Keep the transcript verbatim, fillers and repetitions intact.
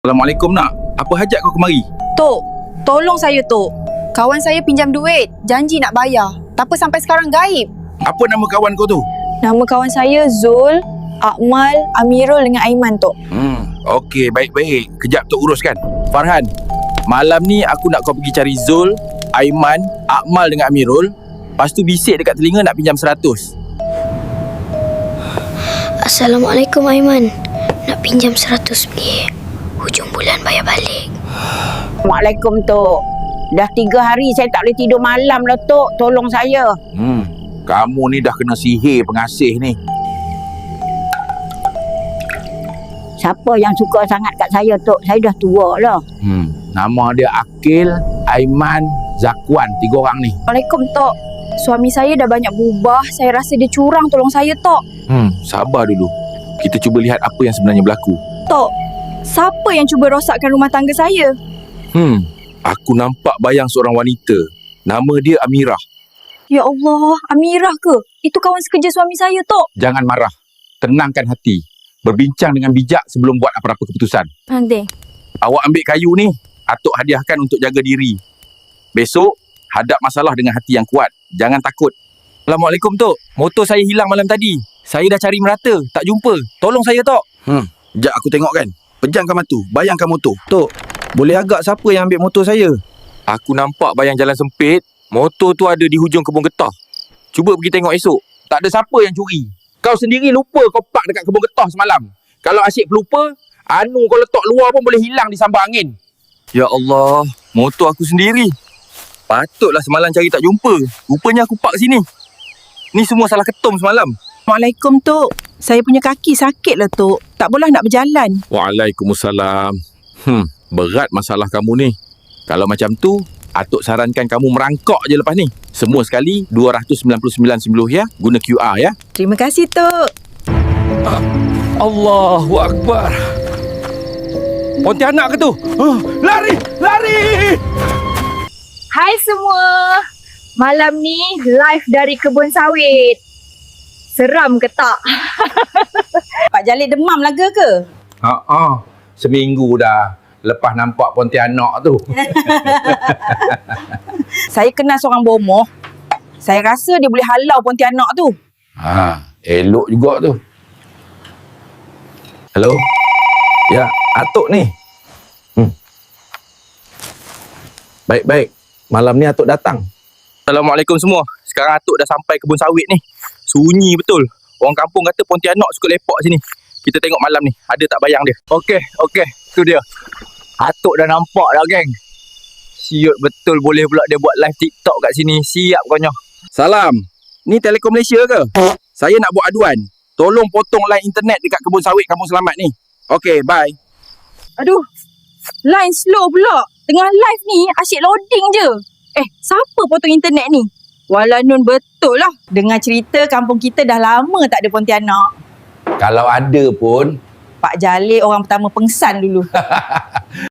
Assalamualaikum nak. Apa hajat kau kemari? Tok, tolong saya Tok. Kawan saya pinjam duit, janji nak bayar. Tapi sampai sekarang gaib. Apa nama kawan kau tu? Nama kawan saya Zul, Akmal, Amirul dengan Aiman Tok. Hmm, okey, baik-baik. Kejap Tok uruskan. Farhan, malam ni aku nak kau pergi cari Zul, Aiman, Akmal dengan Amirul. Lepas tu bisik dekat telinga nak pinjam seratus. Assalamualaikum Aiman. Nak pinjam seratus ringgit. Hujung bulan bayar balik. Waalaikum Tok. Dah tiga hari saya tak boleh tidur malam lah Tok. Tolong saya. Hmm, kamu ni dah kena sihir pengasih ni. Siapa yang suka sangat kat saya Tok? Saya dah tua lah. Hmm, nama dia Akil, Aiman, Zakwan. Tiga orang ni. Waalaikum Tok. Suami saya dah banyak berubah. Saya rasa dia curang, tolong saya Tok. Hmm, sabar dulu. Kita cuba lihat apa yang sebenarnya berlaku. Tok, siapa yang cuba rosakkan rumah tangga saya? Hmm, aku nampak bayang seorang wanita. Nama dia Amirah. Ya Allah, Amirah ke? Itu kawan sekerja suami saya Tok. Jangan marah. Tenangkan hati. Berbincang dengan bijak sebelum buat apa-apa keputusan. Nanti. Awak ambil kayu ni, Atuk hadiahkan untuk jaga diri. Besok, hadap masalah dengan hati yang kuat. Jangan takut. Assalamualaikum Tok. Motor saya hilang malam tadi. Saya dah cari merata, tak jumpa. Tolong saya Tok. Hmm, sekejap aku tengok kan. Pejamkan mata, bayangkan motor. Tok, boleh agak siapa yang ambil motor saya? Aku nampak bayang jalan sempit. Motor tu ada di hujung kebun getah. Cuba pergi tengok esok. Tak ada siapa yang curi. Kau sendiri lupa kau park dekat kebun getah semalam. Kalau asyik pelupa, anu kau letak luar pun boleh hilang di sambar angin. Ya Allah, motor aku sendiri. Patutlah semalam cari tak jumpa. Rupanya aku park sini. Ni semua salah ketum semalam. Waalaikum Tok. Saya punya kaki sakit lah Tok. Tak boleh nak berjalan. Waalaikumsalam. Hmm, berat masalah kamu ni. Kalau macam tu, Atuk sarankan kamu merangkak je lepas ni. Semua sekali dua ratus sembilan puluh sembilan ringgit sepuluh ya. Guna Q R ya. Terima kasih Tok. Allahu Akbar. Pontianak ke tu? Oh, lari! Lari! Hai semua. Malam ni live dari kebun sawit. Seram ke tak? Pak Jalil demam laga ke? Ha-ha. Seminggu dah lepas nampak Pontianak tu. Saya kenal seorang bomoh. Saya rasa dia boleh halau Pontianak tu. Ha, elok juga tu. Hello? Ya, Atuk ni. Hmm. Baik-baik. Malam ni Atuk datang. Assalamualaikum semua. Sekarang Atuk dah sampai kebun sawit ni. Sunyi betul. Orang kampung kata Pontianak suka lepak sini. Kita tengok malam ni. Ada tak bayang dia? Okey, okey. Tu dia. Atuk dah nampak dah, geng. Siut betul boleh pula dia buat live TikTok kat sini. Siap konyo. Salam. Ni Telekom Malaysia ke? Saya nak buat aduan. Tolong potong line internet dekat kebun sawit Kampung Selamat ni. Okey, bye. Aduh, line slow pula. Tengah live ni asyik loading je. Eh, siapa potong internet ni? Walau Nun betul lah. Dengar cerita kampung kita dah lama tak ada Pontianak. Kalau ada pun, Pak Jalil orang pertama pengsan dulu.